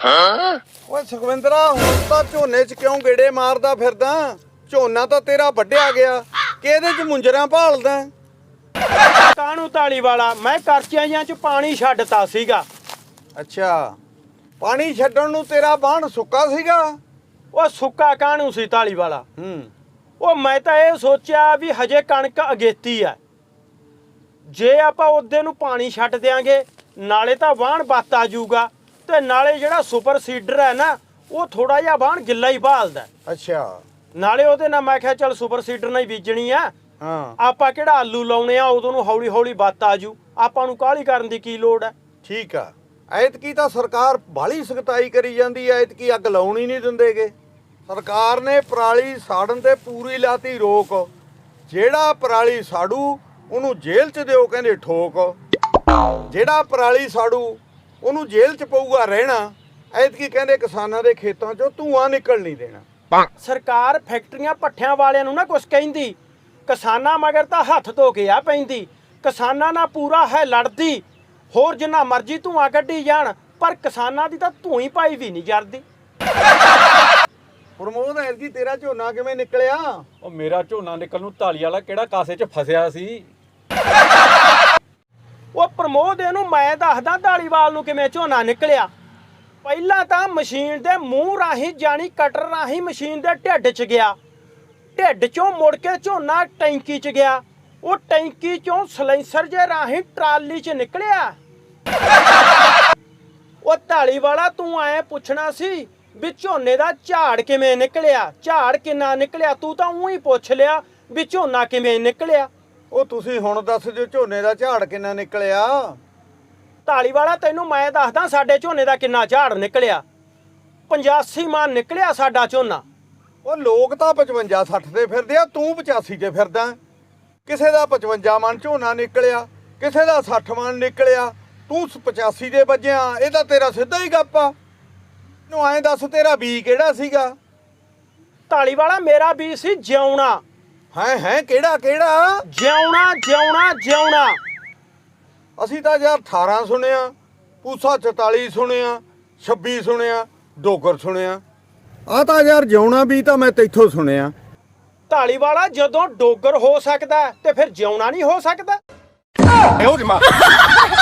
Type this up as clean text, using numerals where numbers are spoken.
ਓਏ ਸੁਖਵਿੰਦਰਾ, ਹੁਣ ਤਾਂ ਝੋਨੇ 'ਚ ਕਿਉਂ ਗੇੜੇ ਮਾਰਦਾ ਫਿਰਦਾ? ਝੋਨਾ ਤਾਂ ਤੇਰਾ ਵੱਢਿਆ ਗਿਆ, ਕਿਹਦੇ 'ਚ ਮੁੰਜਰਾ ਭਾਲਦਾ? ਕਾਹਨੂੰ ਧਾਲੀਵਾਲਾ, ਮੈਂ ਕਰਚਿਆਂ ਜਿਹਾਂ 'ਚ ਪਾਣੀ ਛੱਡਤਾ ਸੀਗਾ। ਅੱਛਾ, ਪਾਣੀ ਛੱਡਣ ਨੂੰ ਤੇਰਾ ਬਾਣ ਸੁੱਕਾ ਸੀਗਾ? ਉਹ ਸੁੱਕਾ ਕਾਹਨੂੰ ਸੀ ਧਾਲੀਵਾਲਾ? ਉਹ ਮੈਂ ਤਾਂ ਇਹ ਸੋਚਿਆ ਵੀ ਹਜੇ ਕਣਕ ਅਗੇਤੀ ਆ, ਜੇ ਆਪਾਂ ਉਹਦੇ ਨੂੰ ਪਾਣੀ ਛੱਡ ਦਿਆਂਗੇ ਨਾਲੇ ਤਾਂ ਵਾਹਣ ਬੱਤ ਆ ਜਾਊਗਾ ਤੇ ਨਾਲੇ ਜਿਹੜਾ ਸੁਪਰ ਸੀਡਰ ਹੈ ਨਾ ਉਹ ਥੋੜਾ ਜਿਹਾ ਵਾਹਣ ਗਿੱਲਾ ਹੀ ਭਾਲਦਾ। ਅੱਛਾ, ਨਾਲੇ ਉਹਦੇ ਨਾਲ ਮੈਂ ਕਿਹਾ ਚੱਲ ਸੁਪਰ ਸੀਡਰ ਨਾਲ ਹੀ ਬੀਜਣੀ ਆ। ਹਾਂ, ਆਪਾਂ ਕਿਹੜਾ ਆਲੂ ਲਾਉਣੇ ਆ, ਉਦੋਂ ਨੂੰ ਹੌਲੀ ਹੌਲੀ ਬੱਤ ਆ ਜੂ, ਆਪਾਂ ਨੂੰ ਕਾਹਲੀ ਕਰਨ ਦੀ ਕੀ ਲੋੜ ਹੈ। ਠੀਕ ਆ। ਐਤਕੀ ਤਾਂ ਸਰਕਾਰ ਬਾਹਲੀ ਸਖਤਾਈ ਕਰੀ ਜਾਂਦੀ ਐ, ਐਤਕੀ ਅੱਗ ਲਾਉਣ ਹੀ ਨਹੀਂ ਦਿੰਦੇਗੇ। ਸਰਕਾਰ ਨੇ ਪਰਾਲੀ ਸਾੜਨ ਤੇ ਪੂਰੀ ਲਾਤੀ ਰੋਕ। ਜਿਹੜਾ ਪਰਾਲੀ ਸਾੜੂ ਉਹਨੂੰ ਜੇਲ੍ਹ 'ਚ ਦਿਓ ਕਹਿੰਦੇ ਠੋਕ, ਜਿਹੜਾ ਪਰਾਲੀ ਸਾੜੂ ਉਹਨੂੰ ਜੇਲ੍ਹ 'ਚ ਪਊਗਾ ਰਹਿਣਾ। ਐਤਕੀ ਕਹਿੰਦੇ ਕਿਸਾਨਾਂ ਦੇ ਖੇਤਾਂ 'ਚੋਂ ਧੂੰਆਂ ਨਿਕਲ ਨਹੀਂ ਦੇਣਾ। ਸਰਕਾਰ ਫੈਕਟਰੀਆਂ ਭੱਠਿਆਂ ਵਾਲਿਆਂ ਨੂੰ ਨਾ ਕੁਛ ਕਹਿੰਦੀ, ਕਿਸਾਨਾਂ ਮਗਰ ਤਾਂ ਹੱਥ ਧੋ ਕੇ ਆ ਪੈਂਦੀ। ਕਿਸਾਨਾਂ ਨਾਲ ਪੂਰਾ ਹੈ ਲੜਦੀ, ਹੋਰ ਜਿੰਨਾ ਮਰਜ਼ੀ ਧੂੰਆਂ ਕੱਢੀ ਜਾਣ, ਪਰ ਕਿਸਾਨਾਂ ਦੀ ਤਾਂ ਧੂੰ ਪਾਈ ਵੀ ਨਹੀਂ ਜਰਦੀ। ਪ੍ਰਮੋਦ, ਐਤਕੀ ਤੇਰਾ ਝੋਨਾ ਕਿਵੇਂ ਨਿਕਲਿਆ? ਉਹ ਮੇਰਾ ਝੋਨਾ ਨਿਕਲ ਨੂੰ ਧਾਲੀ ਵਾਲਾ ਕਿਹੜਾ ਕਾਸੇ 'ਚ ਫਸਿਆ ਸੀ। ਉਹ ਪ੍ਰਮੋਦ, ਇਹਨੂੰ ਮੈਂ ਦੱਸਦਾ ਧਾਲੀਵਾਲ ਨੂੰ ਕਿਵੇਂ ਝੋਨਾ ਨਿਕਲਿਆ। ਪਹਿਲਾਂ ਤਾਂ ਮਸ਼ੀਨ ਦੇ ਮੂੰਹ ਰਾਹੀਂ ਜਾਣੀ ਕਟਰ ਰਾਹੀਂ ਮਸ਼ੀਨ ਦੇ ਢਿੱਡ 'ਚ ਗਿਆ, ਢਿੱਡ 'ਚੋਂ ਮੁੜ ਕੇ ਝੋਨਾ ਟੈਂਕੀ 'ਚ ਗਿਆ, ਉਹ ਟੈਂਕੀ 'ਚੋਂ ਸਲੈਂਸਰ ਜੇ ਰਾਹੀਂ ਟਰਾਲੀ 'ਚ ਨਿਕਲਿਆ। ਉਹ ਧਾਲੀਵਾਲਾ, ਤੂੰ ਐਂ ਪੁੱਛਣਾ ਸੀ ਵੀ ਝੋਨੇ ਦਾ ਝਾੜ ਕਿਵੇਂ ਨਿਕਲਿਆ, ਝਾੜ ਕਿੰਨਾ ਨਿਕਲਿਆ? ਤੂੰ ਤਾਂ ਊਂ ਹੀ ਪੁੱਛ ਲਿਆ ਵੀ ਝੋਨਾ ਕਿਵੇਂ ਨਿਕਲਿਆ। ਉਹ ਤੁਸੀਂ ਹੁਣ ਦੱਸ ਦਿਓ ਝੋਨੇ ਦਾ ਝਾੜ ਕਿੰਨਾ ਨਿਕਲਿਆ? ਧਾਲੀਵਾਲਾ, ਤੈਨੂੰ ਮੈਂ ਦੱਸਦਾ ਸਾਡੇ ਝੋਨੇ ਦਾ ਕਿੰਨਾ ਝਾੜ ਨਿਕਲਿਆ। 85 ਮਣ ਨਿਕਲਿਆ ਸਾਡਾ ਝੋਨਾ। ਉਹ ਲੋਕ ਤਾਂ 55-60 ਤੇ ਫਿਰਦੇ ਆ, ਤੂੰ 85 ਤੇ ਫਿਰਦਾ। ਕਿਸੇ ਦਾ 55 ਮਣ ਝੋਨਾ ਨਿਕਲਿਆ, ਕਿਸੇ ਦਾ 60 ਮਣ ਨਿਕਲਿਆ, ਤੂੰ 85 ਦੇ ਵੱਜਿਆ। ਇਹ ਤਾਂ ਤੇਰਾ ਸਿੱਧਾ ਹੀ ਗੱਪ ਆ। ਨੂੰ ਐਂ ਦੱਸ, ਤੇਰਾ ਬੀ ਕਿਹੜਾ ਸੀਗਾ? ਧਾਲੀਵਾਲਾ, ਮੇਰਾ ਬੀ ਸੀ ਜਿਉਣਾ। ਹੈ ਕਿਹੜਾ ਕਿਹੜਾ? ਜਿਉਣਾ ਜਿਉਣਾ ਜਿਉਣਾ। ਅਸੀਂ ਤਾਂ ਯਾਰ 18 ਸੁਣਿਆ, ਪੂਸਾ 44 ਸੁਣਿਆ, 26 ਸੁਣਿਆ, ਡੋਗਰ ਸੁਣਿਆ। ਆ ਤਾਂ ਯਾਰ ਜਿਉਣਾ ਵੀ ਤਾਂ ਮੈਂ ਤੈਥੋਂ ਸੁਣਿਆ। ਧਾਲੀਵਾਲਾ, ਜਦੋਂ ਡੋਗਰ ਹੋ ਸਕਦਾ ਤੇ ਫਿਰ ਜਿਉਣਾ ਨਹੀਂ ਹੋ ਸਕਦਾ?